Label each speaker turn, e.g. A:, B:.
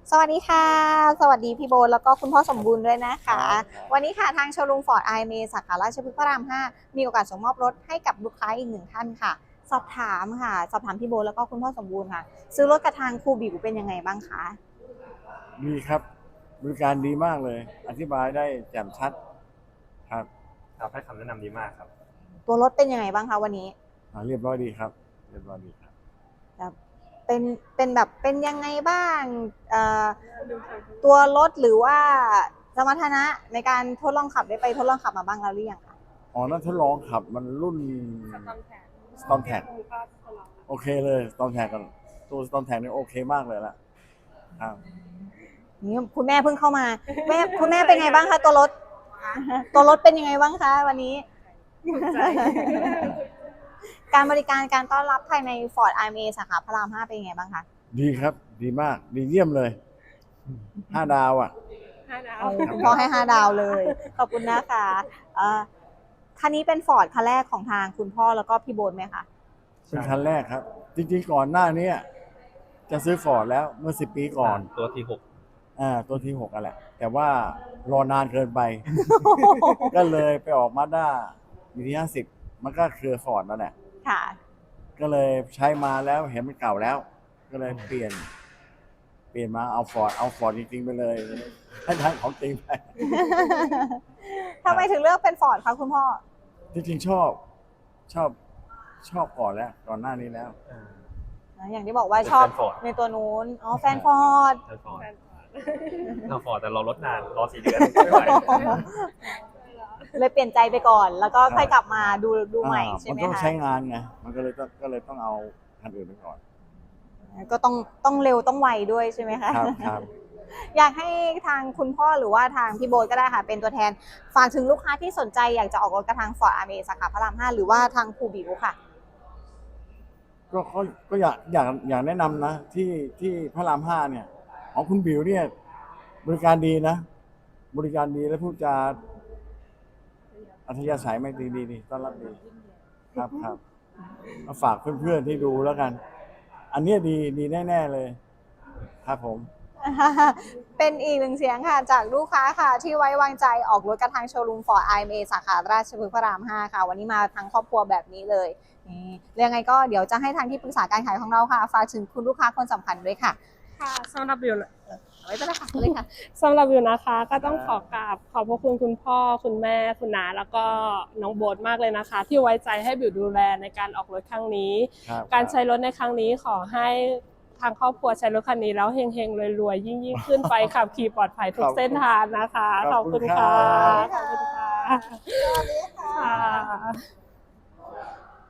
A: สวัสดีค่ะสวัสดีพี่โบทแล้วก็คุณพ่อสมบูรณ์ด้วยนะคะ วันนี้ค่ะทางโชว์รูมฟอร์ดไอเมสาขาราชพฤกษ์พระราม 5มีโอกาสส่งมอบรถให้กับลูกค้าอีกหนึ่งท่านค่ะ สอบถามค่ะสอบถามพี่โบทแล้วก็คุณพ่อสมบูรณ์ค่ะซื้อรถกับทางครูบิวเป็นยังไงบ้างคะ
B: ดีครับบริการดีมากเลยอธิบายได้แจ่มชัดครับ
C: ครับให้คำแนะนำดีมากครับ
A: ตัวรถเป็นยังไงบ้างคะวันนี้
B: เรียบร้อยดีครับเรียบร้อยดีครับ
A: แบบเป็นแบบเป็นยังไงบ้างตัวรถหรือว่าสมรรถนะในการทดลองขับได้ไปทดลองขับมาบ้างแล้วหรือยังคะ
B: อ๋อนั่นทดลองขับมันรุ่น Storm Tag โอเคเลย Storm Tag กันตัว Storm Tag นี่โอเคมากเลยล่ะครับ
A: นี่คุณแม่เพิ่งเข้ามาคุณแม่เป็นไงบ้างคะตัวรถเป็นยังไงบ้างคะวันนี้ การบริการการต้อนรับภายใน Ford IMA สาขาพระราม 5เป็นยังไงบ้างคะ
B: ดีครับดีมากดีเยี่ยมเลย5 ดาวอ่ะ
A: คุณพ่อให้5 ดาวเลย ขอบคุณนะคะคันนี้เป็น Ford คันแรกของทางคุณพ่อแล้วก็พี่โบนไหมคะ
B: เป็นคันแรกครับ จริงๆก่อนหน้านี้จะซื้อฟอร์ดแล้วเมื่อ10 ปีก่อน
C: ตัวที่ 6
B: ตัวที่6อ่ะแหละแต่ว่ารอนานเกินไป ก็เลยไปออกมาด้ามีที่50มันก็คือฟอร์ดนั่นแหละ
A: ค่ะ
B: ก็เลยใช้มาแล้วเห็นมันเก่าแล้ว ก็เลยเปลี่ยนมาเอาฟอร์ดจริงๆไปเลยให้ทางของจริงไป
A: ทำไมถึงเลือกเป็น Ford คะคุณพ่อ
B: จริงๆชอบก่อนแล้วก่อนหน้านี้แล้ว
A: อย่างที่บอกว่าชอบในตัวนู้นอ๋อแฟน Ford
C: เราฟอร์ดแต่เราลดนานรอ4 เดือนไม่ไหว
A: เลยเปลี่ยนใจไปก่อน แล้วก็ค่อยกลับมาดูใหม่ใช่ไหมคะ
B: มันต้องใช้งานไงมันก็เลยต้องเอาคันอื่นไปก่อน
A: ก็ต้องเร็วต้องไวด้วยใช่ไหมคะ
B: ครับ
A: อยากให้ทางคุณพ่อหรือว่าทางพี่โบ๊ทก็ได้ค่ะเป็นตัวแทนฝากถึงลูกค้าที่สนใจอยากจะออกรถกระทาง Ford IMA สาขาพระราม 5หรือว่าทางครูบิวค่ะ
B: ก็อยากแนะนำนะที่พระราม 5เนี่ยของคุณบิวเนี่ยบริการดีนะบริการดีและพูดจาอัธยาศัยไม่ดีต้อนรับดีครับมาฝากเพื่อนๆที่ดูแล้วกัน อันนี้ดีแน่ๆเลยครับผม
A: เป็นอีกหนึ่งเสียงค่ะจากลูกค้าค่ะที่ไว้วางใจออกรถกระทางโชว์รูม Ford IMA สาขาราชพฤกษ์พระราม 5ค่ะวันนี้มาทั้งครอบครัวแบบนี้เลยนี่ยังไงก็เดี๋ยวจะให้ทางที่ปรึกษาการขายของเราค่ะฝากถึงคุณลูกค้าคนสำคัญด้วยค่ะ
D: ค่ะสำหรับวิว
A: ไว้เป็นละค่ะเลยค่ะ
D: สำหรับวิวนะคะก็ต้องขอกราบขอบพระคุณคุณพ่อคุณแม่คุณน้าแล้วก็น้องโบ๊ทมากเลยนะคะ ที่ไว้ใจให้บิวดูแลในการออกรถครั้งนี้การใช้รถในครั้งนี้ขอให้ทางครอบครัวใช้รถคันนี้แล้วเฮงๆรวยๆยิ่งขึ้นไปขับขี่ปลอดภัยทุกเส้นทางนะคะขอบคุณค่ะขอบคุณค่ะ
A: สวัสดีค่ะ